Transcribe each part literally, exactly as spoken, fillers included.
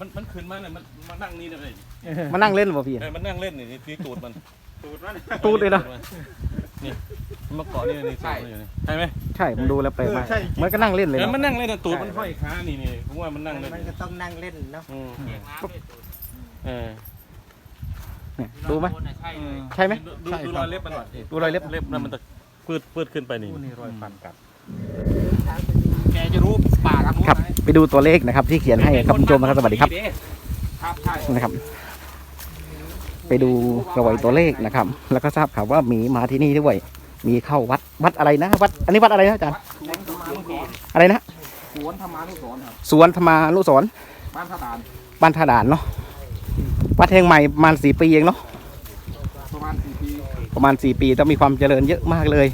มันมันขึ้นมาเนี่ยมันมานั่งนี่เลยมานั่งเล่นป่ะพี่มันนั่งเล่นนี่ที่ตูดมันตูดมันตูดเลยนะนี่มันเกาะนี่นี่ใช่ใช่ไหมใช่ผมดูแล้วไปมามันก็นั่งเล่นเลยมันนั่งเล่นตูดมันห้อยขานี่นี่ผมว่ามันนั่งเล่นมันก็ต้องนั่งเล่นเนาะเออดูไหมใช่ไหมดูดูรอยเล็บมันหน่อยดูรอยเล็บเล็บนั่นมันจะปืดปืดขึ้นไปนี่นี่รอยฟันกัดแกจะรู้ปากครับไปดูตัวเลขนะครับที่เขียนให้ครับคุณผู้ชมนะครับสวัสดีครับนะครับ ไปดูรอยตัวเลขนะครับ แล้วก็ทราบข่าวว่ามีมาที่นี่ด้วยมีเข้าวัดวัดอะไรนะวัดอันนี้วัดอะไรนะอาจารย์อะไรนะสวนธรรมานุสรณ์ครับสวนธรรมานุสรณ์บ้านท่าด่านบ้านท่าด่านเนาะวัดแห่งใหม่ประมาณสี่ปีเองเนาะประมาณสี่ปีประมาณสี่ปีต้องมีความเจริญเยอะมากเลย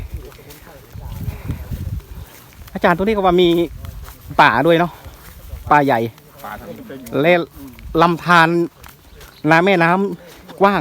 อาจารย์ตัวนี้ก็ว่ามีป่าด้วยเนาะป่าใหญ่เล่ลำธารน้ำแม่น้ำกว้าง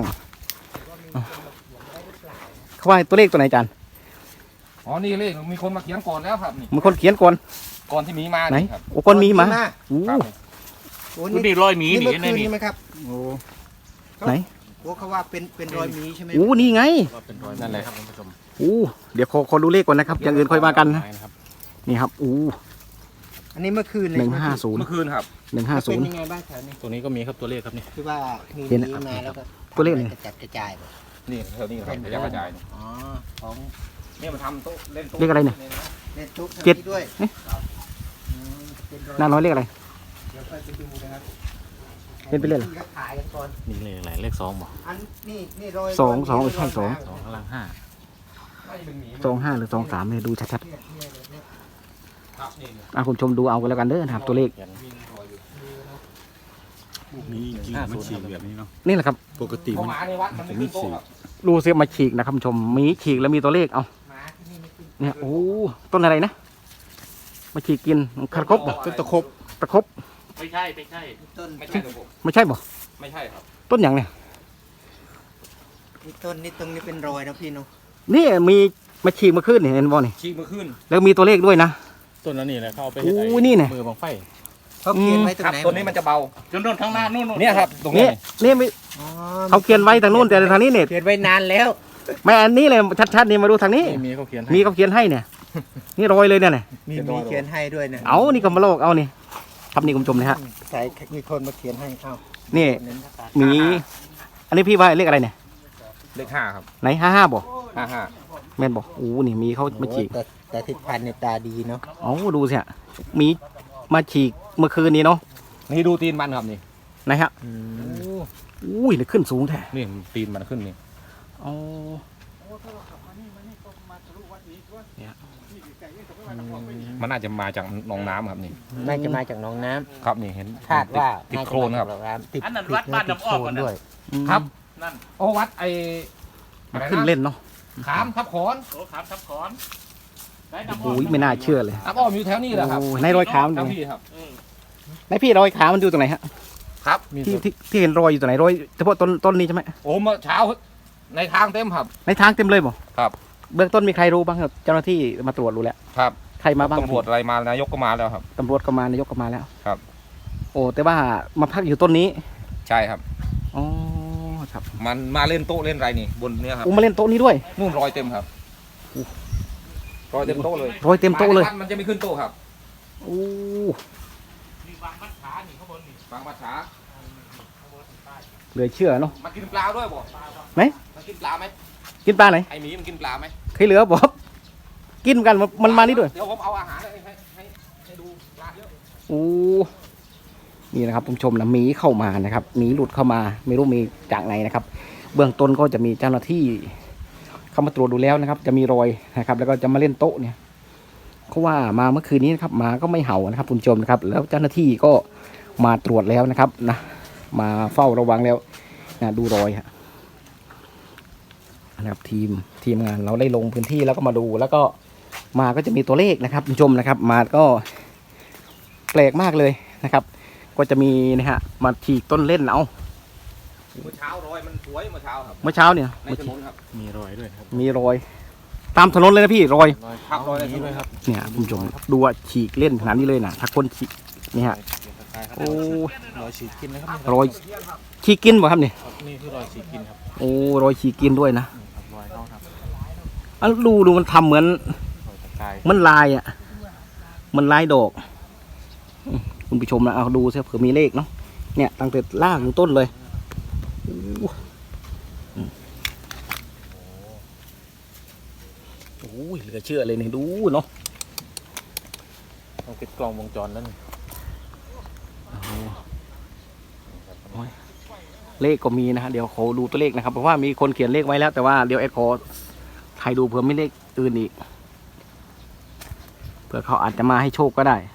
เขาว่าตัวเลขตัวไหนอาจารย์อ๋อนี่เลขมีคนมาเขียนก่อนแล้วครับนี่มีคนเขียนก่อนก่อนที่มีมาไหนโอ้คนมีมาโอ้โหนี่รอยหมีนี่นี่นี่ไหมครับโอ้ไหนโอ้เขาว่าเป็นเป็นรอยหมีใช่ไหมโอ้นี่ไงเป็นรอยนั่นแหละครับคุณผู้ชมโอ้เดี๋ยวขอขอดูเลขก่อนนะครับอย่างอื่นค่อยมากันนะนี่ครับโอ้อันนี้เมื่อคืนเลยหนึ่งห้าศูนย์เมื่อคืนครับหนึ่งห้าศูนย์เป็นยังไงบ้างแถวนี้ตัวนี้ก็มีครับตัวเลขครับนี่คือว่ามีมีมาแล้วก็ตัวเลขนี่กระจัดกระจายนี่แถวนี้ครับกระจายกระจายอ๋อของนี่มาทำโต๊ะเล่นโต๊ะเลขอะไรเนี่ยเล่นโต๊ะเจ็ดด้วยหน้าน้อยเลขอะไรเดี๋ยวไปดูนะครับเล่นไปเล่นขายกันก่อนนี่เลขอะไรเลขสองบ่อันนี่นี่รอยสองสองใช่สองสองกำลังห้าสองห้าหรือสองสามเนี่ยดูชัดๆอ่ะคุณชมดูเอากันแล้วกันเด้อนะครับตัวเลขนี่จริงมันฉีกแบบนี้เนาะนี่แหละครับปกติมันจะไม่ฉีกดูเสียมาฉีกนะครับคุณชมมีฉีกแล้วมีตัวเลขเอาเนี่ยโอ้ต้นอะไรนะมาฉีกกินคาร์คบบ่ต้นตะคบตะคบไม่ใช่ไม่ใช่ต้นไม่ใช่ไม่ใช่บ่ไม่ใช่ครับต้นอย่างเนี่ยนี่ต้นนี่ตรงนี้เป็นรอยนะพี่นุ๊กนี่มีมาฉีกมาขึ้นเห็นบ่นี่ฉีกมาขึ้นแล้วมีตัวเลขด้วยนะต้นนั้นนี่แหละเข้าไปโอ้นี่เนี่ยมือบังไฟเขาเขียนไว้ตรงไหนตัวนี้มันจะเบาจนโดนข้างหน้านู่นเนี่ยครับตรงนี้นี่ไม่เขาเขียนไว้ทางนู้นแต่ทางนี้เนี่ยเขียนไว้นานแล้วไม่อันนี้เลยชัดๆนี่มาดูทางนี้มีเขาเขียนมีเขาเขียนให้เนี่ยนี่รอยเลยเนี่ยมีมีเขียนให้ด้วยเนี่ยเอานี่ก็มาโลกเอานี่ครับนี่คุณผู้ชมนะฮะใส่มีคนมาเขียนให้เอานี่มีอันนี้พี่ว่าเลขอะไรเนี่ยเลขห้าครับไหนห้าห้าบ่ห้าห้าแม่นบ่โอ้นี่มีเขามาฉีกแต่ทิศพันธ์ในตาดีเนาะอ๋อดูสิฮะมีมาฉีกเมื่อคืนนี้เนาะนี่ดูตีนมันครับนี่ไหนฮะอุ้ยเนี่ยขึ้นสูงแท้นี่ตีนมันขึ้นนี่อ๋อมันน่าจะมาจากหนองน้ำครับนี่น่าจะมาจากหนองน้ำครับนี่เห็นคาดว่าติดโคลนครับติดอันนั้นวัดบ้านน้ำอ้อมกันด้วยครับนั่นโอ้วัดไอ้ขึ้นเล่นเนาะขามทับขอนโอ้ขามทับขอนโอ้ยไม่น่าเชื่อเลยน้ำอ้อมอยู่แถวนี้แหละครับในรอยขามันตรงนี้ครับในพี่รอยขามันอยู่ตรงไหนฮะครับที่ที่ที่เห็นรอยอยู่ตรงไหนรอยเฉพาะต้นต้นนี้ใช่ไหมโอ้เมื่อเช้าในทางเต็มครับในทางเต็มเลยบ่ครับเบื้องต้นมีใครรู้บ้างครับเจ้าหน้าที่มาตรวจรู้แล้วครับใครมาบ้างตำรวจอะไรมานายกก็มาแล้วครับตำรวจก็มานายกก็มาแล้วครับโอ้แต่ว่ามาพักอยู่ต้นนี้ใช่ครับอ๋อครับมันมาเล่นโต๊ะเล่นอะไรนี่บนเนี้ยครับอู้มาเล่นโต๊ะนี้ด้วยนู่นรอยเต็มครับรอยเต็มโต๊ะเลยรอยเต็มโต๊ะเลยมันจะไม่ขึ้นโต๊ะครับโอ้มีบางมัดขาหนีข้างบนนี่บางมัดขาเหลือเชื่อเนาะมันกินปลาด้วยบ่ไหมมันกินปลาไหมกินปลาไหนไอหมีมันกินปลาไหมเคยเหลือบ่กินกันมันมานี่ด้วยเดี๋ยวผมเอาอาหารให้ให้ให้ดูปลาเยอะโอ้นี่นะครับผู้ชมนะหมีเข้ามานะครับหมีหลุดเข้ามาไม่รู้มีจากไหนนะครับเบื้องต้นก็จะมีเจ้าหน้าที่เข้ามาตรวจดูแล้วนะครับจะมีรอยนะครับแล้วก็จะมาเล่นโต๊ะเนี่ยเขาว่ามาเมื่อคืนนี้นะครับมาก็ไม่เห่านะครับผู้ชมนะครับแล้วเจ้าหน้าที่ก็มาตรวจแล้วนะครับนะมาเฝ้าระวังแล้วนะดูรอยฮะนะครับทีมทีมงานเราได้ลงพื้นที่แล้วก็มาดูแล้วก็มาก็จะมีตัวเลขนะครับผู้ชมนะครับมาก็แปลกมากเลยนะครับก็จะมีนะฮะมาฉีกต้นเล่นเอาเมื่อเช้ารอยมันสวยเมื่อเช้าครับเมื่อเช้าเนี่ยในถนนครับมีรอยด้วยครับมีรอยตามถนนเลยนะพี่รอยพักรอยนี้ด้วยครับเนี่ยคุณผู้ชมดูว่าฉีกเล่นขนาดนี้เลยนะถ้าคนฉีกนี่ฮะโอ้รอยฉีกกินนะครับรอยฉีกกินบ่ครับนี่นี่คือรอยฉีกกินครับโอ้รอยฉีกกินด้วยนะรอยเขาครับอันดูดูมันทำเหมือนรอยตะกายมันลายอ่ะมันลายดอกอืมคุณผู้ชมนะเอาดูซิเผื่อมีเลขเนาะเนี่ยตั้งแต่ล่างถึงต้นเลยโอ้อืมโอ้ยเหลือเชื่อเลยนี่ดูเนาะต้องติดกล้องวงจรนั่นเลขก็มีนะฮะเดี๋ยวขอดูตัวเลขนะครับเพราะว่ามีคนเขียนเลขไว้แล้วแต่ว่าเดี๋ยวแอดขอถ่ายดูเผื่อไม่เลขอื่นอีกเผื่อเขาอาจจะมาให้โชคก็ได้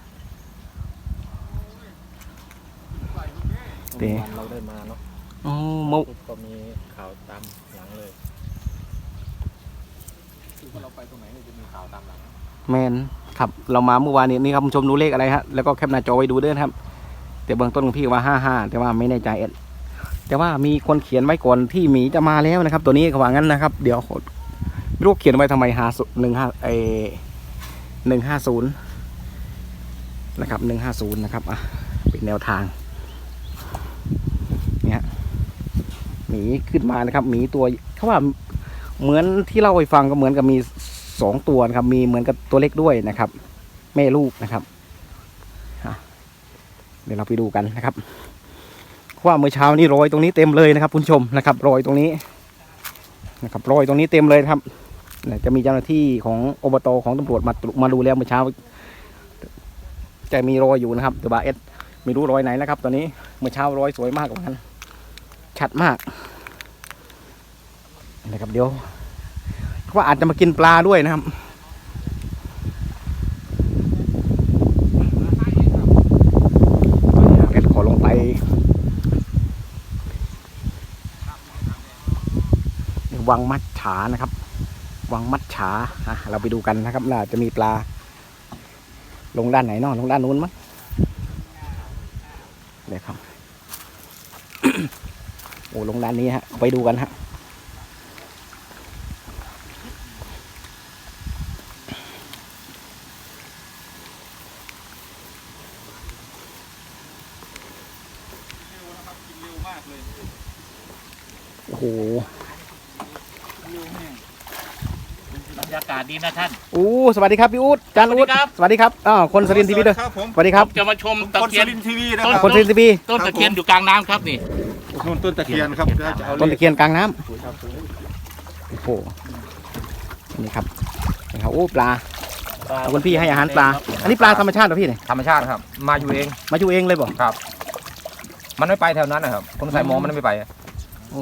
เต๋เราได้มาเนาะอ๋อเมื่อก็มีข่าวตามหลังเลยคือว่าเราไปตรงไหนเนี่ยจะมีข่าวตามหลังแมนครับเรามาเมื่อวานนี้นี่ครับคุณผู้ชมดูเลขอะไรฮะแล้วก็แคปหน้าจอไว้ดูด้วยนะครับแต่เบื้องต้นของพี่ว่าห้าห้าแต่ว่าไม่แน่ใจเอ็ดแต่ว่ามีคนเขียนไว้ก่อนที่หมีจะมาแล้วนะครับ ตัวนี้เขาว่างั้นนะครับ เดี๋ยวไม่รู้เขียนไว้ทำไมหาหนึ่งห้าเอหนึ่งห้าศูนย์นะครับหนึ่งห้าศูนย์นะครับอ่ะเป็นแนวทางเนี่ยหมีขึ้นมานะครับหมีตัวเขาว่าเหมือนที่เล่าให้ฟังก็เหมือนกับมีสองตัวนะครับมีเหมือนกับตัวเล็กด้วยนะครับ แม่ลูกนะครับเดี๋ยวเราไปดูกันนะครับว่าเมื่อเช้านี้รอยตรงนี้เต็มเลยนะครับคุณผู้ชมนะครับรอยตรงนี้นะครับรอยตรงนี้เต็มเลยครับจะมีเจ้าหน้าที่ของอบตของตำรวจมามาดูแล้วเมื่อเช้าจะมีรอยอยู่นะครับตัวบาเอสไม่รู้รอยไหนนะครับตอนนี้เมื่อเช้ารอยสวยมากกว่านั้นชัดมากนะครับเดี๋ยวว่าอาจจะมากินปลาด้วยนะครับเอสขอลงไปวังมัดฉานะครับวังมัดฉาอ่ะเราไปดูกันนะครับน่าจะมีปลาลงด้านไหนเนาะลงด้านนู้นมั้งเดี๋ยวครับ โอ้ลงด้านนี้ฮะไปดูกันฮะโอ้โหบรรยากาศดีนะท่านโอ้สวัสดีครับพี่อู๊ดจานอู๊ดสวัสดีครับอ้าวคนสรินทร์ทีวีด้วยครับผมสวัสดีครับจะมาชมตะคนเคีสุยนรินทร์ทีวีนะต้นครับคนสรินทร์ทีวีต้นตะเคียนอยู่กลางน้ำครับนี่นู่นต้นตะเคียนครับเดี๋ยวจะเอาต้นตะเคียนกลางน้ำโอ้โหนี่ครับนี่ครับโอ้ปลาเอาคุณพี่ให้อาหารปลาอันนี้ปลาธรรมชาติเหรอพี่เนี่ยธรรมชาติครับ มาอยู่เองมาอยู่เองเลยบ่ครับ มันไม่ไปแถวนั้นนะครับคนใส่หมองมันไม่ไปโอ้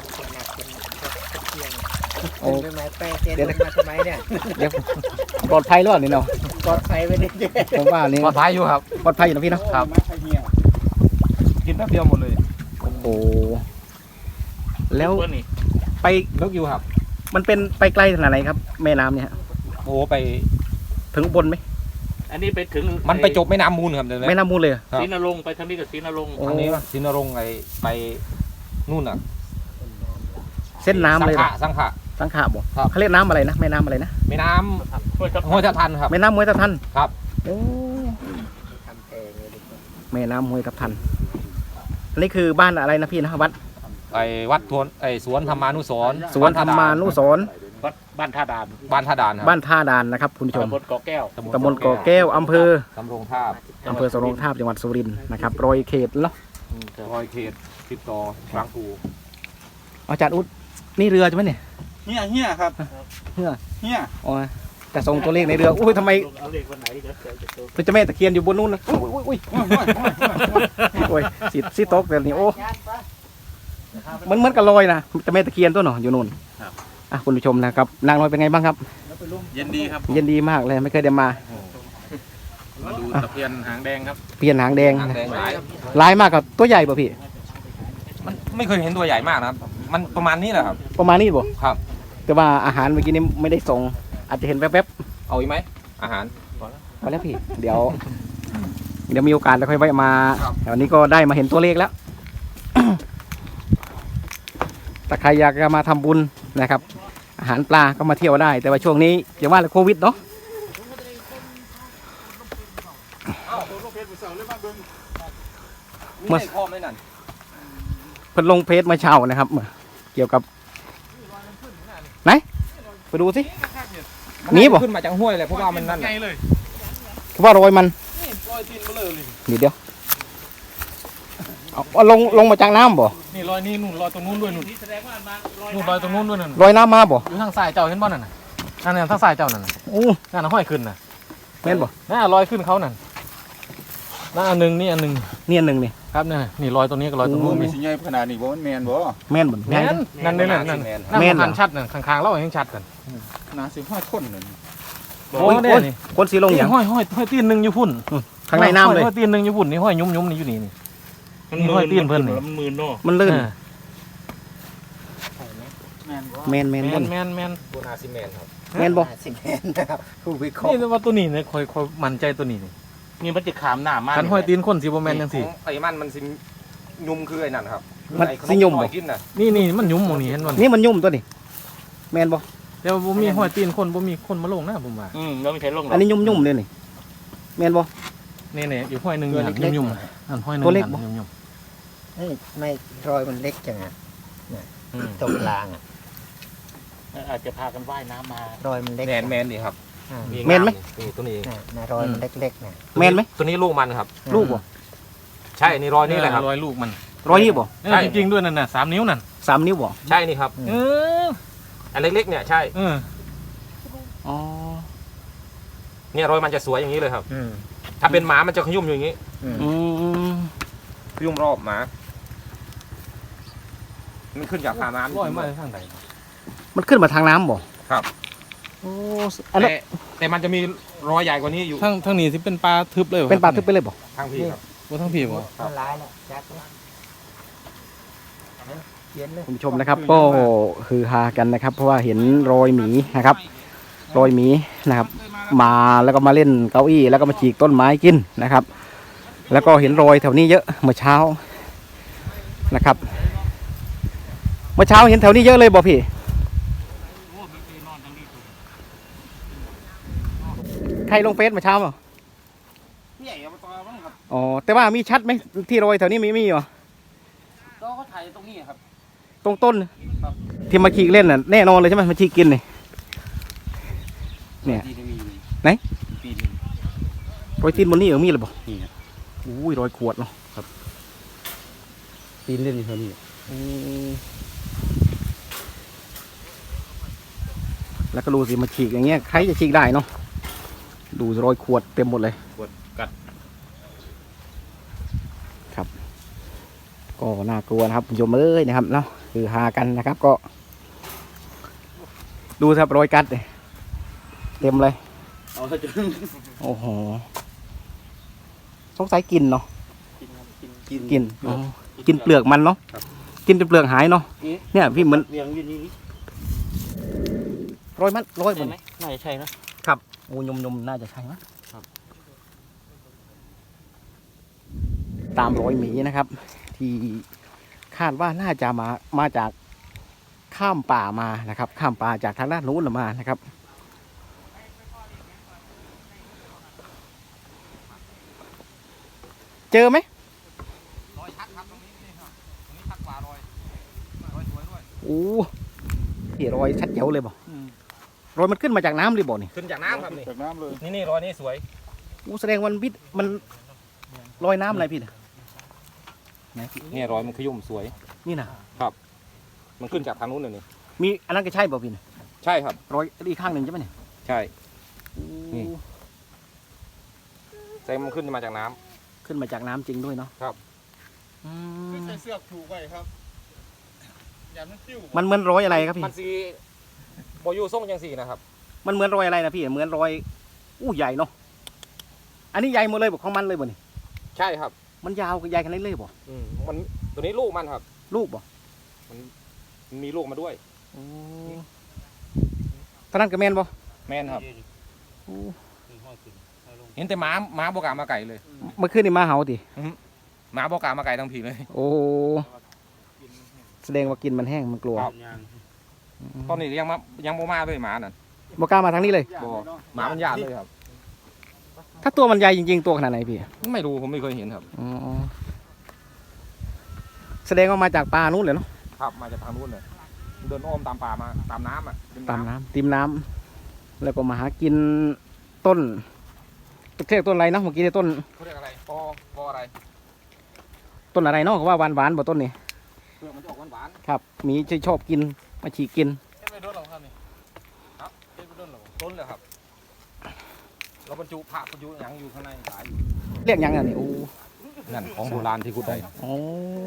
โอ้เป็นไม้แป้งเจนมาทำไมเนี่ยเดี๋ยวปลอดภัยหรือเปล่านี่เนาะปลอดภัยไปดิผมว่านี่ปลอดภัยอยู่ครับปลอดภัยอยู่นะพี่เนาะครับ กินแป๊บเดียวหมดเลยโอ้โหแล้วนี่ไปลึกอยู่ครับมันเป็นไปไกลขนาดไหนครับแม่น้ำเนี่ยฮะโอ้ไปถึงอุบลไหมอันนี้ไปถึงมันไปจบแม่น้ำมูลครับเดี๋ยวนี้แม่น้ำมูลเลยเหรอครับศรีนรงค์ไปทางนี้กับศรีนรงค์โอ้อันนี้ว่าสินรงค์ไอไปนู่นอ่ะเส้นน้ำเลยเหรสัองขะสังขะสังขะบ่ครับเขาเรียกน้ำอะไรนะแม่น้ำอะไรนะแม่น้ห้วยทับำห้วยทับทันครับแม่น้ำห้วยทับทันครับโอ้ทำเองเลยดิแม่น้ำห้วยทับทันอันนี้คือบ้านอะไรนะพี่นะวัดไอวัดทวนไอสวนธรรมานุสรณ์สวนธรรมานุสรณ์วัดบ้านท่าดานบ้านท่าดานครับบ้านท่าดานนะครับคุณผู้ชมตำบลเกาะแก้วตำบลเกาะแก้วอำเภอสำโรงทาบอำเภอสรงทาบจังหวัดสุรินทร์นะครับรอยเขตเนาะรอยเขตติดต่อบางปูอาจารย์อุ๊ดนี่เรือใช่ไหมเนี่ยเฮียเฮียครับเรือเฮียอ๋อจะส่งตัวเลขในเรืออุ้ยทำไมเอาเลขวันไหนเดี๋ยวจะโชว์พระเจ้าแม่ตะเคียนอยู่บนนู้นนะอุ้ยอุ้ยอุ้ยโอ้ยสิสิตกแต่นี่โอ้มันเหมือนกับลอยนะเจ้าแม่ตะเคียนตัวหนออยู่นู่นอ่ะคุณผู้ชมนะครับนางน้อยเป็นไงบ้างครับเย็นดีครับเย็นดีมากเลยไม่เคยได้มามาดูตะเคียนหางแดงครับเปลี่ยนหางแดงหางแดงหลายลายมากกับตัวใหญ่ป่ะพี่มันไม่เคยเห็นตัวใหญ่มากนะครับ มันประมาณนี้แหละครับประมาณนี้บ่ครับแต่ว่าอาหารเมื่อกี้นี้ไม่ได้ส่งอาจจะเห็นแวบเอาอีกไหมอาหารๆพอแล้วพี่ เดี๋ยว เดี๋ยวมีโอกาสแล้วค่อยแวะมาครับแต่วันนี้ก็ได้มาเห็นตัวเลขแล้ว แต่ใครอยากจะมาทำบุญนะครับ อาหารปลาก็มาเที่ยวได้ แต่ว่าช่วงนี้อย่างว่าโควิดเนาะมีในคอมไหมนั่นเพิ่นลงเพจมาเช้านะครับเกี่ยวกับไหนไปดูสิ มีบ่ขึ้นมาจากห้วยเลยเพราะว่ามันนั่นไงเลยคือว่ารอยมันนี่รอยตีนเบลอเลยเดี๋ยวเดี๋ยวเอาเอาลงลงมาจากน้ำบ่นี่รอยนี่นู่นรอยตรงนู้นด้วยนู่นนู่นรอยตรงนู้นด้วยนั่นรอยน้ำมาบ่อยู่ทางซ้ายเจ้าเห็นบ่นั่นน่ะนั่นน่ะทางซ้ายเจ้านั่นน่ะโอ้นั่นน่ะห้อยขึ้นน่ะแม่นบ่นั่นน่ะรอยขึ้นเขานั่นนั่นอันหนึงนี่อันหนึงนี่อันหนึ่งนี่ครับนั่นน่ะนี่รอยตรงนี้กับรอยตรงนู้นมีนี่สิใหญ่ขนาดนี้บ่มันแมนบ่แม่นบ่แม่นนั่นนี่นั่นนั่นนั่นแม่นมันชัดนั่นข้างๆเราเห็นชัดกันขนาดสิบห้าคนเลยโอ้ยโอ้เนี่ยยนี่คนสีลงอย่างห้อยห้อยห้อยตีนหนึงอยู่พุ่นข้างในน้ำเลยห้อยตีนหนึงอยู่พุ่นนี่ห้อยยุ่มๆนี่อยู่นี่นี่นี่ห้อยตีนเพิ่นนี่มันมืนเนาะมันลื่นอ่าแม่นแม่นแม่แม่นนแม่นแม่นโบนาซิแมนครับแม่นบ่สิบเอ็ดนะครับผู้วิเคราะห์นี่ว่าตัวนี้เนี่ยคอยคอยมั่นใจตัวนี้นี่นี่มันจะขามหน้ามากคันห้อยตีนคนสิบ่แม่นจังซี่ไอ้มันมันสิยุ่มคือไอ้นั่นครับมันไอ้ขสิยุ่มหบ่อยกินน่ะนี่นี่มันยุ่มหมองนี้เห็นบ่นี่มันยุ่มตัวนี้แม่นบ่แต่ว่าบ่มีห้อยตีนคนบ่มีคนมาลงนะผมว่าอืมแล้วไม่ใช่ลงหรอัอน กนี้ยุ่มยุ่มเลยนี่แม่นบ่นี่ๆอยู่ห้อยหนึงอยู่หั่นยุ่มๆอันห้อยหนึงตัวเล็กบ่หั่นยุ่มเอ้ยไม่รอยมันเล็กจังอ่ะๆอืมตรงกลางอ่ะอาจจะพากันว่ายน้ำมารอยมันเล็กแมนแมนนี่ครับอ่าแม่นไหมนี่ตัวนี้เองน่ะน่ะรอยมันเล็กๆนะแม่นไหมตัวนี้ลูกมันครับลูกบ่ใช่นี่รอยนี่แหละครับรอยลูกมันรอยนี่บ่เออจริงๆด้วยนั่นน่ะสามนิ้วนั่นสามนิ้วบ่ใช่นี่ครับเอออันเล็กๆเนี่ยใช่เอออ๋อเนี่ยรอยมันจะสวยอย่างนี้เลยครับอืมถ้าเป็นหมามันจะขยุ่มอยู่อย่างนี้อืมอืมขยุ่มรอบหมา มันขึ้นจากผาน้ำรอยมาทางใดมันขึ้นมาทางน้ำบ่ครับโอ้อันนั้นแต่แต่มันจะมีรอยใหญ่กว่านี้อยู่ทางทางนี้สิเป็นปลาทึบเลยเป็นปลาทึบไปเลยบ่ทางพี่ครับบ่ทางพี่บ่มันร้ายแล้วจักเลยเขียนเลยคุณผู้ชมนะครับ ก็คือฮากันนะครับ เพราะว่าเห็นรอยหมีนะครับ รอยหมีนะครับ มาแล้วก็มาเล่นเก้าอี้แล้วก็มาฉีกต้นไม้กินนะครับ แล้วก็เห็นรอยแถวนี้เยอะเมื่อเช้านะครับ เมื่อเช้าเห็นแถวนี้เยอะเลยบ่พี่ใครลงเฟซเมื่อเช้าเปล่าใหญ่เอามาต่อบ้างครับอ๋อแต่ว่ามีชัดไหมที่รอยแถวนี้มีมีเหรอก็เขาถ่ายตรงนี้ครับตรงต้นที่มาฉีกเล่นน่ะแน่นอนเลยใช่ไหมมาฉีกกินนี่เนี่ยปีนึงมีไหนปีนึงรอยตีนบนนี้เออมีเลยบ่นี่ครับอุ้ยรอยขวดเนาะปีนเล่นอยู่เท่านี้อืมแล้วก็ดูสิมาฉีกอย่างเงี้ยใครจะฉีกได้เนาะดูรอยขวดเต็มหมดเลยปวดกัดก็น่ากลัวนะครับคุณผู้ชมเอ้ยนะครับเนาะคือหากันนะครับก็ ดูครับรอยกัดเลยเต็มเลยเอาถ้าจะโอ้โหสงสัยกินเนาะกินกินอ๋อกินเปลือกมันเนาะกินจนเปลือกหายเนาะเนี่ยพี่เหมือนเวียงอยู่นี่รอยมันรอยหมใช่ดไหมน่าจะใช่นะโอ้ยมยมๆน่าจะใช่ไหมครับตามรอยหมีนะครับ ที่คาดว่าน่าจะมามาจากข้ามป่ามานะครับ ข้ามป่าจากทางด้านนู้นมานะครับ เจอไหมรอยชัดครับตรงนี้นี่ครับตรงนี้ชัดกว่ารอยรอยสวยด้วยโอ้ที่รอยชัดเจ๋วเลยบ่รอยมันขึ้นมาจากน้ำเลยบ่นี่ขึ้นจากน้ำครับนี่จากน้ำเลยนี่นี่รอยนี่สวยโอ้แสดงวันพิษมันลอยน้ำอะไรพี่น่ะเนี่ยรอยมันขยุ่มสวยนี่นะมันขึ้นจากทางนู้นเลยนี่มีอันนั้นก็ใช่บ่พี่น่ะใช่ครับรอยอีกข้างหนึ่งใช่ไหมเนี่ยใช่ นี่โอ้แสดงมันขึ้นมาจากน้ำขึ้นมาจากน้ำจริงด้วยเนาะครับอืมใส่เสื้อผูกไว้ครับอย่ามันติ้วมันเหมือนรอยอะไรครับพี่มันสีโบอยูส่งยังสีนะครับมันเหมือนรอยอะไรนะพี่เหมือนรอยอู้ใหญ่เนาะอันนี้ใหญ่หมดเลยบอกของมันเลยบ่นี่ใช่ครับมันยาวกับใหญ่ขนาดนี้เลยบ่อืมมันตัวนี้ลูกมันครับลูกบ่มันมีลูกมาด้วยโอ้ตอนนั้นก็แมนบ่แม่นครับโอ้เห็นแต่หม้าหม้าบอกามาไก่เลยเมื่อคืนนี่มาเห่าติหม้าบอกามาไก่ทั้งผีเลยโอ้แสดงว่ากินมันแห้งมันกลัวครับ ตอนนี้ยังมายังโมมาเลยหมานั่นบ่กล้ามาทางนี้เลยบอหมามันยากเลยครับถ้าตัวมันใหญ่จริงๆตัวขนาดไหนพี่ไม่รู้ผมไม่เคยเห็นครับอ๋อแสดงว่ามาจากป่านู้นเลยเนาะครับมาจากทางนู้นเลยเดินอ้อมตามป่ามาตามน้ำอ่ะริตามน้ำติมน้ำแล้วก็มาหากินต้นเรียกต้นอะไรนะเมื่อกี้เนี่ยต้นเขาเรียกอะไรปอปออะไรต้นอะไรเนาะเขาว่าหวานหวานๆบ่ต้นนี่เปลือกมันจะออกหวานครับมีที่ชอบกินมาฉีกกินเฮ็ดไปโดนหรอครับนี่ครับเฮ็ดไปโดนหรอๆต้นเลยครับเราบรรจุผักบรรจุหยังอยู่ข้างในหลายเรียกหยังไงนี่โอ้นั่นของโบราณที่ขุดได้โอ้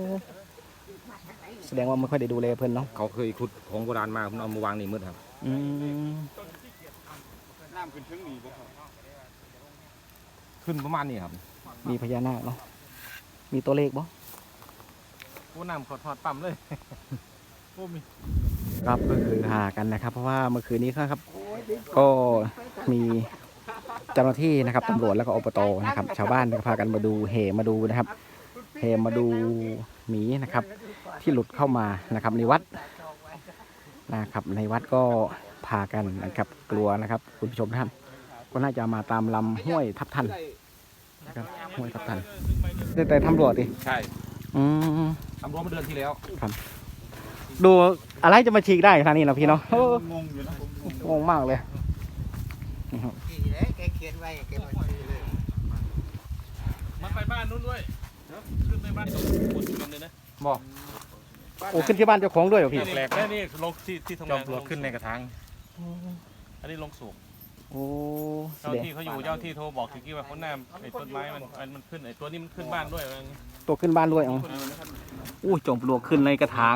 แสดงว่าไม่ค่อยได้ดูแลเพิ่นเนาะเขาเคยขุดของโบราณมาผมเอามาวางนี่มืดครับอืมน้ำขึ้นถึงนี่บ่ครับขึ้นประมาณนี้ครับมีพญานาคเนาะมีตัวเลขบ่โอ้น้ำขอทอดปั๊มเลยโอ้มีครับก็คือหากันนะครับ เพราะว่าเมื่อคืนนี้ครับ ก็มีเจ้าหน้าที่นะครับตำรวจแล้วก็อบตนะครับ ชาวบ้านก็พากันมาดูเหมาดูนะครับเหมาดูหมีนะครับ ที่หลุดเข้ามานะครับในวัดนะครับ ในวัดก็พากันนะครับกลัวนะครับคุณผู้ชมท่านก็น่าจะมาตามลำห้วยทับทันนะครับห้วยทับทันแต่แต่ตำรวจดิใช่อืมตำรวจมาเดือนที่แล้วดูอะไรจะมาฉีกได้ขนาดนี้นะพี่เนาะโอ้งงอยู่นะผมงงงงมากเลยที่เลยแกเขียนไว้แกมาซื้อเลยมันไปบ้านนู้นด้วยขึ้นไปบ้านตรงบนกันเลยนะบอกโอ้ขึ้นที่บ้านเจ้าของด้วยเหรอพี่แปลกแล้วนี่ลงที่ที่ทำจองาม นปลวกขึ้นในกระถางอันนี้ลงสูงโอ้แสเจ้าดงที่เขาอยู่เจ้าที่โทรบอกถึงที่ว่าคนหน้าไอ้ต้นไม้มันมันขึ้นไอ้ตัวนี้มันขึ้นบ้านด้วยว่าอย่างงี้ตัวขึ้นบ้านด้วยอ๋ออู้จอมปลวกขึ้นในกระถาง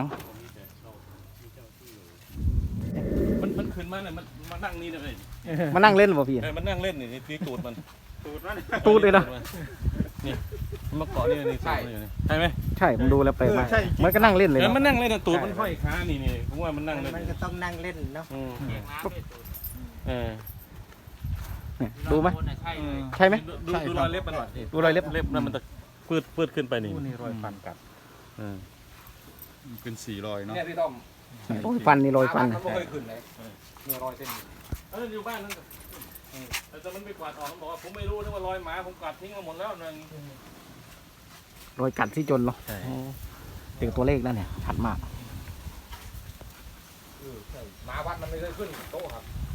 มันมันขึ้นมาเนี่ยมันมานั่งนี่เลยมานั่งเล่นบ่พี่เออมันนั่งเล่นนี่นี่ตูดมัน ตูดมันตูดเลยนะนี่มันมาเกาะนี่นี่ใช่ใช่ไหมใช่ผมดูแล้วแปลกมากเหมันก็นั่งเล่นเลยเออเนาะมันนั่งเล่นน่ะตูดมันห้อยขานี่นี่ผมว่ามันนั่งเล่นมันก็ต้องนั่งเล่นเนาะอืมเออเนี่ยดูไหมอืมใช่ไหมดูดูดูรอยเล็บมันหน่อยดูรอยเล็บเล็บนั่นมันจะปืดปืดขึ้นไปนี่นี่รอยฟันกัดเออเป็นสี่รอยเนาะเนี่ยพี่ต้อมโอ้ยฟันนี่รอยฟันมันไม่เคยขึ้นเลยนี่รอยเส้นเอออยู่บ้านนั่นก็อืมแต่มันไม่กวาดออกมันบอกว่าผมไม่รู้นะว่ารอยหมาผมกวาดทิ้งมาหมดแล้วนั่นรอยกัดที่จนเนาะใช่โอ้ถึงตัวเลขนั่นเนี่ยชัดมากเออใช่หมาวัดมันไม่เคยขึ้นโต๊ะครับ